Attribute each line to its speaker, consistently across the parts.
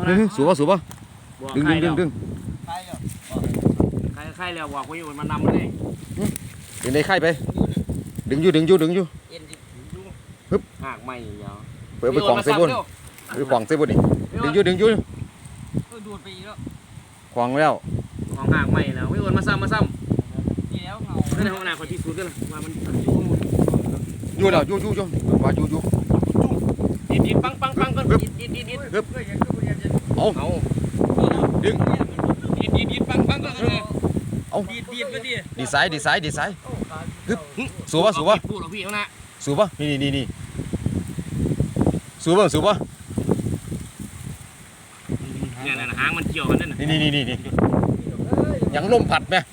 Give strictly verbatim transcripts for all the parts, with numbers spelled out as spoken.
Speaker 1: สูบป่ะสูบป่ะดึงดึงดึงดึง
Speaker 2: ใครใครแล้วบอกว่าอยู่มันนำเลย
Speaker 1: ดึงได้ไข่ไปดึงอยู่ดึงอยู่ดึงอยู่
Speaker 2: ฮึบหักไม่ยาว
Speaker 1: เปิดไปขวางเซบุนไปขวางเซบุนนี่ดึงอยู่ดึงอยู่
Speaker 2: ดูดไปอีกแล้ว
Speaker 1: ขวางแล้ว
Speaker 2: ขวางหักไม่แล้วไม่โอนมาซ้ำมาซ้ำนี่แล้วเงาในห้องน้ำคอยพิสูจน์กันนะว่ามัน
Speaker 1: อยู่แล้วอยู่อยู่อยู่ว่าอยู่อยู่
Speaker 2: ดิดดิดปังปังปังก็ดิดดิดดิดดิด
Speaker 1: ฮึบเอา
Speaker 2: เอา
Speaker 1: ดึง
Speaker 2: ดิดดิดดิดปังปังก็
Speaker 1: เอา
Speaker 2: ดิดดิดไปดิ
Speaker 1: ดีไซน์ดีไซน์ดีไซน์ฮึบสูบป่ะสูบป่ะ
Speaker 2: พูดหรอพี่เขานะ
Speaker 1: สูบป่ะนี่นี่นี่สูบป่ะสูบป่ะ
Speaker 2: เนี่ยนะหางมันเกี่ยวกันนั่น
Speaker 1: นี่นี่นี่นี่ยังลมผัดไหม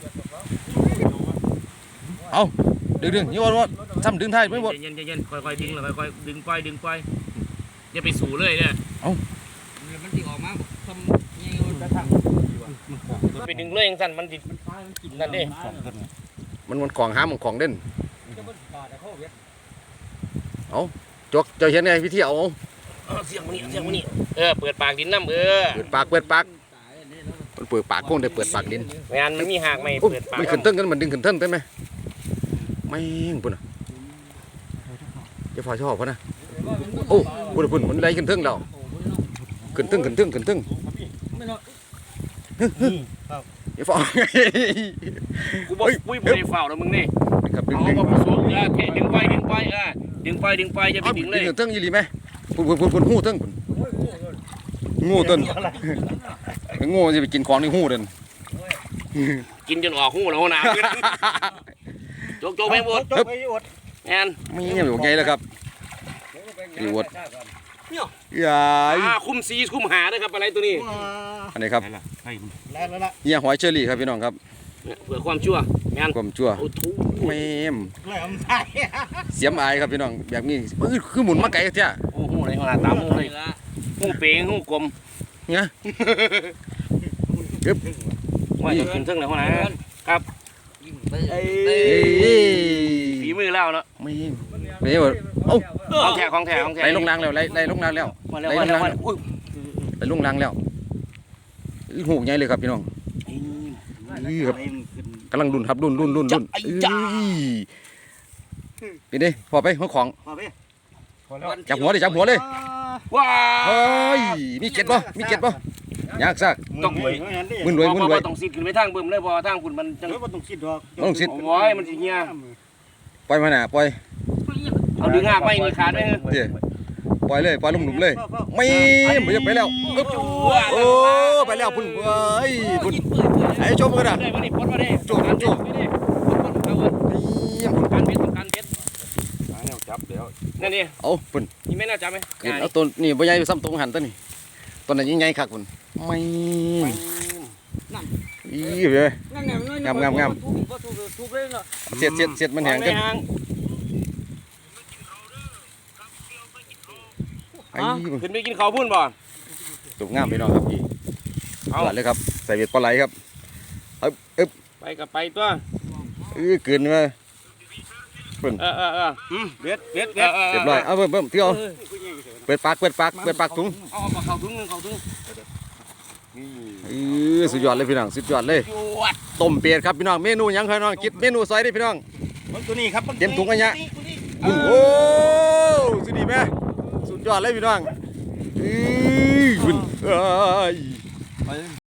Speaker 1: เอาดึงดึงนี่ว่าว่าซ้ำดึงท้ายไม่หมด
Speaker 2: เย็นเย็นค่อยๆดึงเลยค่อยๆดึงปล่อยดึงปล่อยอย่าไปสู่เลยเนี่ย
Speaker 1: เอา
Speaker 2: มันติออกมาทำยังไงกระทั่งไปดึงเลยอย่างสั้นมันติดนั่นดิ
Speaker 1: มันมันของห้ามมันของเด่นเอาจกเจ้าเห็นไงวิธีเอา
Speaker 2: เสียงมันนี่เสียงมันนี่เออเปิดปากดินน้ำเออ
Speaker 1: เปิดปากเปิดปากมันเปิดปากโค้งได้เปิดปากดิน
Speaker 2: งานมันมีหากไม่เปิดปาก
Speaker 1: มันขึ้นเทิงกันมันดึงขึ้นเทิงได้ไหมไม่ปุ่นอ่ะจะพอชอบพะนะโอ้ปุ่นปุ่นมันไล่ขึ้นเทิงเราขึ้นเทิงขึ้นเทิงขึ้นเทิงอย่าฟ้า
Speaker 2: กูบอกปุ้ยปุ้ยฝ่าแล้วมึงนี่เอามาผสมเออแค่ดึงไปดึงไปเออดึงไปดึงไปจะไปดึงเลย
Speaker 1: ดึงเทิงยี่หลีไหมปุ่นปุ่นปุ่นปุ่นหูเทิงปุ่นงูต้นงูจะไปกินของในหูเดิน
Speaker 2: กินจนออกหูแล้วนะโจกโจกไปหมดแอน
Speaker 1: ไม่ยังอยู่ไงแล้วครับอยู่วดใหญ่
Speaker 2: คุ้มซีคุ้มหาด้วยครับอะไรตัวนี้
Speaker 1: อันนี้ครับเนี่ยหอยเชอรี่ครับพี่น้องครับ
Speaker 2: เพื่อความชั่วงาน
Speaker 1: ความชั่วเมมเสียมอายครับพี่น้องแบบนี้คือหมุนมาไกลเท่า
Speaker 2: โอ้โหในขนาดตามหูเลยหูเป๋งหูกลม
Speaker 1: เนี่ย
Speaker 2: ยึบว่าจะกินเท่งเลยคนไหนครับฝีมือเล่าเนาะ
Speaker 1: ไม่ไม่หมดโอ้
Speaker 2: ของแท้ของแท้ของแท้
Speaker 1: ไล่ลงรางแล้วไล่ไล่ลงรางแล้วไล่ลงรางไล่ลงรางแล้วหูใหญ่เลยครับพี่น้องครับกำลังดุนครับดุนดุนดุนดุนไปดิพอไปหัวของจับหัวเลยจับหัวเลย
Speaker 2: ว้า
Speaker 1: เฮ้ยมีเก็ดป่ะมีเก็ดป่ะยากซัก
Speaker 2: ต้อง
Speaker 1: มึนรวยมึนรวย
Speaker 2: ต้องซิดขึ้นไปทางบึ้มเลยพอทางคุณมันจัง
Speaker 3: ต้องซิดดอก
Speaker 1: ต้องซิด
Speaker 2: โอ้ยมันสิเงี้ย
Speaker 1: ปล่อยมาหน่ะปล่อย
Speaker 2: เอาดึงหากไปนี่ขาดไหม
Speaker 1: เดี๋ยวปล่อยเลยปล่อยลุ่มหลุมเลยไม่ไม่จะไปแล้วโอ้ไปแล้วพุ่นเฮ้ยพุ่นไอ้โจมกันนะโจมโจม
Speaker 2: การเบ็ดการเบ็ด
Speaker 3: จับเดี๋ยว
Speaker 2: นั่นนี่
Speaker 1: เอาพุ่น
Speaker 2: นี่ไม่น่าจับไหม
Speaker 1: เอาตัวนี่ใบใหญ่ซ้ำตรงหันตัวนี้ตัวนั้นยิ่งใหญ่คักพุ่นไม่อีเลยงามงามงามเสียดเสียดเสียดมันแห้งกัน
Speaker 2: ขึ้นไปกินข้าวพุ่นบ่
Speaker 1: ตุกงามไปน้องครับพี่เอาเลยครับใส่เบ็ดปลาไหลครับเอ๊บเอ๊บ
Speaker 2: ไปกับไปตัว
Speaker 1: เออเกินมา
Speaker 2: เพิ่นเออเออเออเบ็ดเบ็ด
Speaker 1: เรียบร้อยเอาเพิ่มเพิ่มเที่ยวเปิดปากเปิดปากเปิดปากถุง
Speaker 2: เอาเอาเข้าถุงนึงเข้าถุง
Speaker 1: เออสุดยอดเลยพี่น้องสุดยอดเลยต้มเป็ดครับพี่น้องเมนูยังพี่น้องคิดเมนูซอยได้พี่น้อง
Speaker 3: ตัวนี้ครับ
Speaker 1: เต็มถุงกันเนี้ยโอ้สุดดีไหมสุดยอดเลยพี่น้องเอ้ย